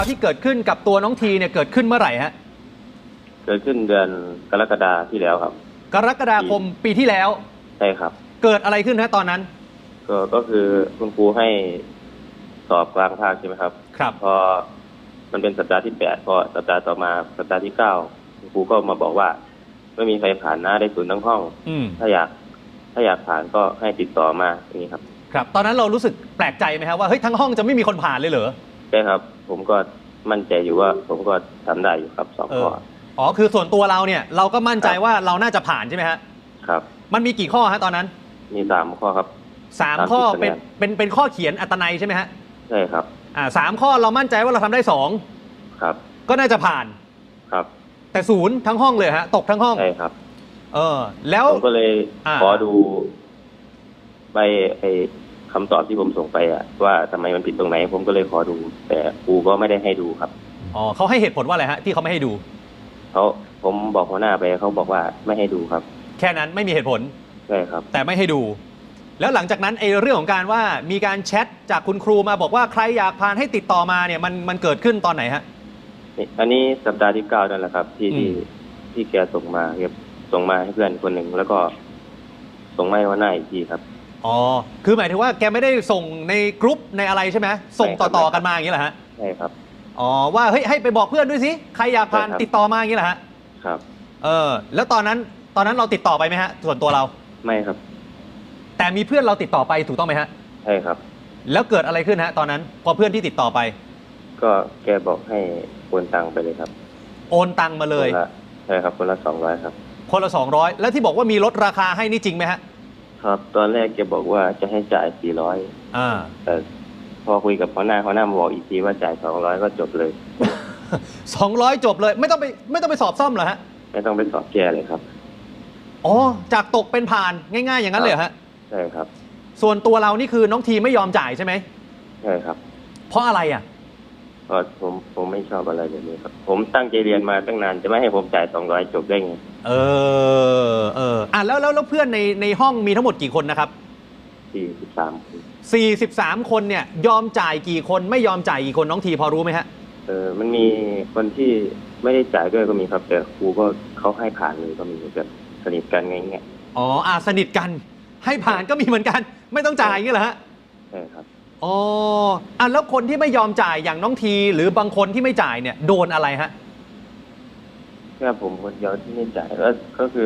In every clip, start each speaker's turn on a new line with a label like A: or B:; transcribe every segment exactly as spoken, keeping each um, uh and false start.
A: ที่เกิดขึ้นกับตัวน้องทีเนี่ยเกิดขึ้นเมื่อไหร่ฮะ
B: เกิดขึ้นเดือนกรกฎาที่แล้วครับ
A: กรกฎาคมปีที่แล้ว
B: ใช่ครับ
A: เกิดอะไรขึ้นฮะตอนนั้น
B: ก็ก็คือคุณครูให้สอบกลางภาคใช่ไหมครับ
A: ครับ
B: พอมันเป็นสัปดาห์ที่แปดพอสัปดาห์ต่อมาสัปดาห์ที่เก้าคุณครูก็มาบอกว่าไม่มีใครผ่านนะได้ศูนย์ทั้งห้องถ้าอยากถ้าอยากผ่านก็ให้ติดต่อมาอย่างนี้ครับ
A: ครับตอนนั้นเรารู้สึกแปลกใจไหมครับว่าเฮ้ยทั้งห้องจะไม่มีคนผ่านเลยเหรอ
B: ใช่ครับผมก็มั่นใจอยู่ว่าผมก็ทำได้อยู่ครับสองข้อ
A: อ๋อคือส่วนตัวเราเนี่ยเราก็มั่นใจว่าเราน่าจะผ่านใช่ไหมฮะ
B: ครับ
A: มันมีกี่ข้อฮะตอนนั้น
B: มีสามข้อครับ
A: สามข้อเป็นเป็นเป็นข้อเขียนอัตนัยใช่ไหมฮะ
B: ใช่ครับ
A: อ่าสามข้อเรามั่นใจว่าเราทำได้สอง
B: ครับ
A: ก็น่าจะผ่าน
B: ครับ
A: แต่ศูนย์ทั้งห้องเลยฮะตกทั้งห้อง
B: ใช่ครับ
A: เออแล้ว
B: ผมก็เลยขอดูใบไอ้คำตอบที่ผมส่งไปอะว่าทำไมมันผิดตรงไหนผมก็เลยขอดูแต่ครูก็ไม่ได้ให้ดูครับ
A: อ๋อเขาให้เหตุผลว่าอะไรฮะที่เขาไม่ให้ดู
B: เขาผมบอกหัวหน้าไปเขาบอกว่าไม่ให้ดูครับ
A: แค่นั้นไม่มีเหตุผล
B: ใช่ครับ
A: แต่ไม่ให้ดูแล้วหลังจากนั้นไอ้เรื่องของการว่ามีการแชทจากคุณครูมาบอกว่าใครอยากผ่านให้ติดต่อมาเนี่ยมันมันเกิดขึ้นตอนไหนฮะ
B: อันนี้สัปดาห์ที่เก้านั่นแหละครับที่ที่ที่แกส่งมาเก็บส่งมาให้เพื่อนคนหนึ่งแล้วก็ส่งมาให้หัวหน้าอีกทีครับ
A: อ๋อคือหมายถึงว่าแกไม่ได้ส่งในกรุ๊ปในอะไรใช่ไหมส่งต่อๆกันมาอย่างนี้แหละฮะ
B: ใช่ครับ
A: อ๋อว่าเฮ้ยให้ไปบอกเพื่อนด้วยสิใครอยากผ่านติดต่อมาอย่างนี้แหละฮะ
B: ครับ
A: เออแล้วตอนนั้นตอนนั้นเราติดต่อไปไหมฮะส่วนตัวเรา
B: ไม่ครับ
A: แต่มีเพื่อนเราติดต่อไปถูกต้องไหมฮะ
B: ใช่ครับ
A: แล้วเกิดอะไรขึ้นฮะตอนนั้นพอเพื่อนที่ติดต่อไป
B: ก็แกบอกให้โอนตังไปเลยครับ
A: โอนตังมาเลย
B: ใช่ครับคนละสองร้อยครับ
A: คนละสองร้อยแล้วที่บอกว่ามีลดราคาให้นี่จริงไหมฮะ
B: ครับตอนแรกแกบอกว่าจะให้จ่ายสี่ร้อย
A: อ่า
B: แต่พอคุยกับหัวหน้าหัวหน้ามาบอกอีกทีว่าจ่ายสองร้อยก็จบเลย
A: สองร้อยจบเลยไม่ต้องไปไม่ต้องไปสอบซ่อมเหรอฮะ
B: ไม่ต้องไปสอบแก้เลยครับ
A: อ๋อจากตกเป็นผ่านง่ายๆอย่างนั้นเลยฮะ
B: ใช่ครับ
A: ส่วนตัวเรานี่คือน้องทีไม่ยอมจ่ายใช่ไหม
B: ใช่ครับ
A: เพราะอะไรอ่ะ
B: เพราะผมผมไม่ชอบอะไรแบบนี้ครับผมตั้งใจเรียนมาตั้งนานจะไม่ให้ผมจ่ายสองร้อยจบได้ไง
A: เออเอออ่ะแล้วแล้วแล้วเพื่อนในในห้องมีทั้งหมดกี่คนนะครับ
B: สี่สิบสามคน
A: สี่สิบสามคนเนี่ยยอมจ่ายกี่คนไม่ยอมจ่ายกี่คนน้องทีพอรู้ไหมฮะ
B: เออมันมีคนที่ไม่ได้จ่ายด้วยก็มีครับแต่ครูก็เขาให้ผ่านเลยก็มีแบบสนิทกันไงเงี้ย
A: อ๋ออ่ะสนิทกันให้ผ่านก็มีเหมือนกันไม่ต้องจ่ายอย่างนี้เหรอฮะ
B: ใช่ครับ
A: อ๋ออ่ะแล้วคนที่ไม่ยอมจ่ายอย่างน้องทีหรือบางคนที่ไม่จ่ายเนี่ยโดนอะไรฮะ
B: แค่ผมคนเดียวที่ไม่จ่ายก็ก็คือ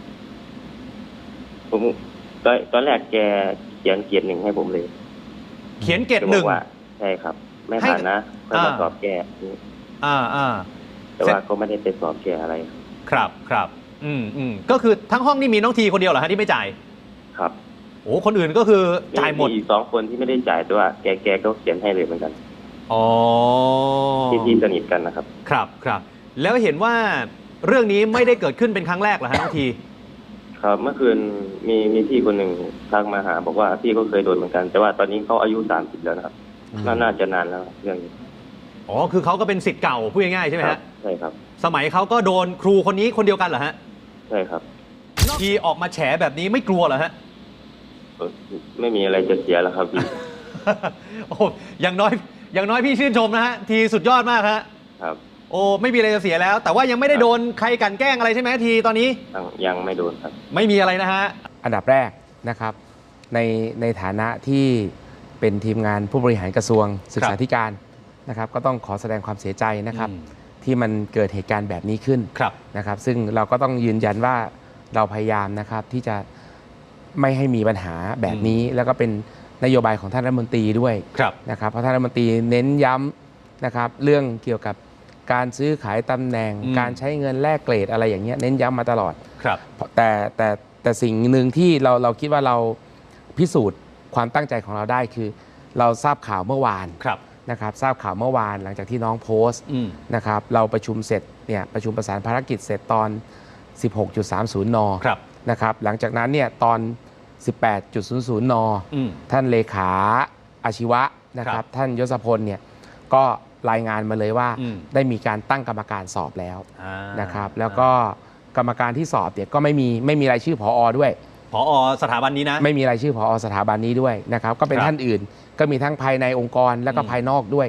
B: ผมตอนตอนแรกแกเขียนเกียรติหนึ่งให้ผมเลย
A: เขียนเกียรติหนึ่ง
B: ใช่ครับไม่ผ่านนะค่อยมาสอบแก้
A: อ่าอ่า
B: แต่ว่าก็ไม่ได้ไปสอบแก้อะไร
A: ครับครับอืมอืมก็คือทั้งห้องนี่มีน้องทีคนเดียวเหรอฮะที่ไม่จ่าย
B: ครับ
A: โอ้คนอื่นก็คือจ่ายหมด
B: มีอีกสองคนที่ไม่ได้จ่ายแต่ว่าแกแกก็เขียนให้เลยเหมือนกัน
A: อ๋อ
B: ที่ที่สนิทกันนะครับ
A: ครับครับแล้วเห็นว่าเรื่องนี้ไม่ได้เกิดขึ้นเป็นครั้งแรกเหรอฮะน้องที
B: ครับเมื่อคืนมีมีพี่คนหนึ่งทักมาหาบอกว่าพี่ก็เคยโดนเหมือนกันแต่ว่าตอนนี้เขาอายุสามสิบแล้วนะครับน่าจะนานแล้วเรื่องนี้
A: อ๋อคือเขาก็เป็นศิษย์เก่าพูดง่ายๆใช่ไหมฮะ
B: ใช่ครับ
A: สมัยเขาก็โดนครูคนนี้คนเดียวกันเหรอฮะ
B: ใช่ครับ
A: ทีออกมาแฉแบบนี้ไม่กลัวเหรอฮะ
B: ไม่มีอะไรจะเสียแล้วครับพี่
A: โอ้อย่างน้อยอย่างน้อยพี่ชื่นชมนะฮะทีสุดยอดมากฮะ
B: ครับ
A: โอ้ไม่มีอะไรจะเสียแล้วแต่ว่ายังไม่ได้โดนใครกันแกล้งอะไรใช่ไหมทีตอนนี้
B: ยังไม่โดนครับ
A: ไม่มีอะไรนะฮะ
C: อันดับแรกนะครับในในฐานะที่เป็นทีมงานผู้บริหารกระทรวงศึกษาธิการนะครับก็ต้องขอแสดงความเสียใจนะครับที่มันเกิดเหตุการณ์แบบนี้ขึ้นนะครับซึ่งเราก็ต้องยืนยันว่าเราพยายามนะครับที่จะไม่ให้มีปัญหาแบบนี้แล้วก็เป็นนโยบายของท่านรัฐมนตรีด้วยนะครับเพราะท่านรัฐมนตรีเน้นย้ำนะครับเรื่องเกี่ยวกับการซื้อขายตำแหน่งการใช้เงินแลกเกรดอะไรอย่างเงี้ยเน้นย้ำมาตลอดแต่แต่แต่สิ่งหนึ่งที่เราเราคิดว่าเราพิสูจน์ความตั้งใจของเราได้คือเราทราบข่าวเมื่อวานนะครับทราบข่าวเมื่อวานหลังจากที่น้องโพสต์นะครับเราประชุมเสร็จเนี่ยประชุมประสานภารกิจเสร็จตอน สิบหกจุดสามศูนย์ น.นะครับหลังจากนั้นเนี่ยตอน สิบแปดจุดศูนย์ศูนย์ น.ท่านเลขาอาชีวะนะครับท่านยศพลเนี่ยก็รายงานมาเลยว่าได้มีการตั้งกรรมการสอบแล้วนะครับแล้วก็กรรมการที่สอบเนี่ยก็ไม่มีไม่มีรายชื่อผอ.ด้วย
A: ผอ.สถาบันนี้นะ
C: ไม่มีรายชื่อผอ.สถาบันนี้ด้วยนะครับก็เป็นท่านอื่นก็มีทั้งภายในองค์กรแล้วก็ภายนอกด้วย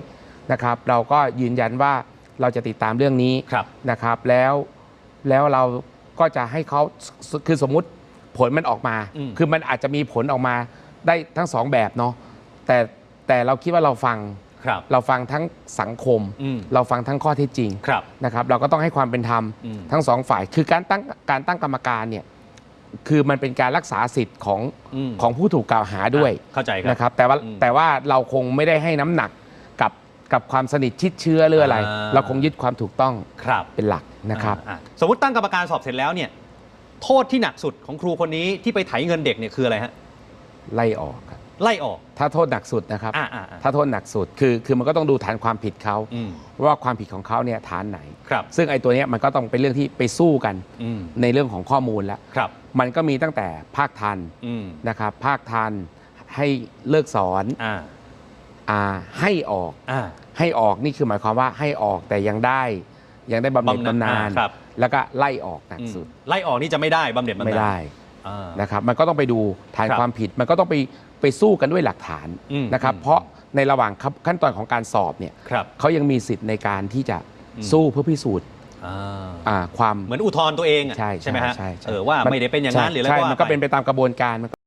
C: นะครับ เราก็ยืนยันว่าเราจะติดตามเรื่องนี้
A: ครับ
C: นะครับแล้วแล้วเราก็จะให้เขาคือสมมุติผลมันออกมา
A: อืม
C: คือมันอาจจะมีผลออกมาได้ทั้งสองแบบเนาะแต่แต่เราคิดว่าเราฟัง
A: ครับ
C: เราฟังทั้งสังคม
A: อืม
C: เราฟังทั้งข้อเท็จจริง
A: ครับ
C: นะครับเราก็ต้องให้ความเป็นธรรม
A: อืม
C: ทั้งสองฝ่ายคือการตั้งการตั้งกรรมการเนี่ยคือมันเป็นการรักษาสิทธิ์ของ
A: อืม
C: ของผู้ถูกกล่าวหาด้วย
A: อ่ะเข้าใจครับ
C: นะครับแต่ว่า
A: อืม
C: แต่ว่าเราคงไม่ได้ให้น้ำหนักกับกับความสนิทชิดเชื้อหรืออะไร
A: อ่า
C: เราคงยึดความถูกต้อง
A: ครับ
C: เป็นหลักนะครับ
A: อ่าสมมติตั้งกรรมการสอบเสร็จแล้วเนี่ยโทษที่หนักสุดของครูคนนี้ที่ไปไถเงินเด็กเนี่ยคืออะไรฮะ
C: ไล่ออกครับ
A: ไล่ออก
C: ถ้าโทษหนักสุดนะครับ
A: อ่าอ่าอ่า
C: ถ้าโทษหนักสุดคือคือมันก็ต้องดูฐานความผิดเขา
A: อืม
C: ว่าความผิดของเขาเนี่ยฐานไหน
A: ครับ
C: ซึ่งไอ้ตัวเนี้ยมันก็ต้องเป็นเรื่องที่ไปสู้กัน
A: อืม
C: ในเรื่องของข้อมูลแล้ว
A: ครับ
C: มันก็มีตั้งแต่ภาคทัน
A: อืม
C: นะครับภาคทันให้เลิกสอน
A: อ่า
C: อ่าให้ออก
A: อ่า
C: ให้ออกนี่คือหมายความว่าให้ออกแต่ยังได้ยังได้บำเหน็จ
A: บำนาญ
C: บำนาญ
A: อ่าครับ
C: แล้วก็ไล่ออกหนัก
A: อืม
C: สุด
A: ไล่ออกนี่จะไม่ได้บำเหน็จบำนาญ
C: ไม่ได้
A: อ่า
C: นะครับมันก็ต้องไปดูฐาน
A: ครับ
C: ความผิด มันก็ต้องไปไปสู้กันด้วยหลักฐาน
A: อืม
C: นะครับ
A: อืม
C: เพราะในระหว่างขั้นตอนของการสอบเนี่ย
A: ครับ
C: เขายังมีสิทธิ์ในการที่จะ
A: อืม
C: สู้เพื่อพิสูจน์
A: อ่า
C: อ่าความ
A: เหมือนอุทธรณ์ตัวเองอะ
C: ใช่
A: ใช่ไหมฮะ
C: ใช่ใช่
A: เออว่าไม่ได้เป็นอย่างนั้นหรืออะไร
C: ใช่
A: ก็ว่า
C: มันก็
A: ไป
C: เป็นไปตามกระบวนการ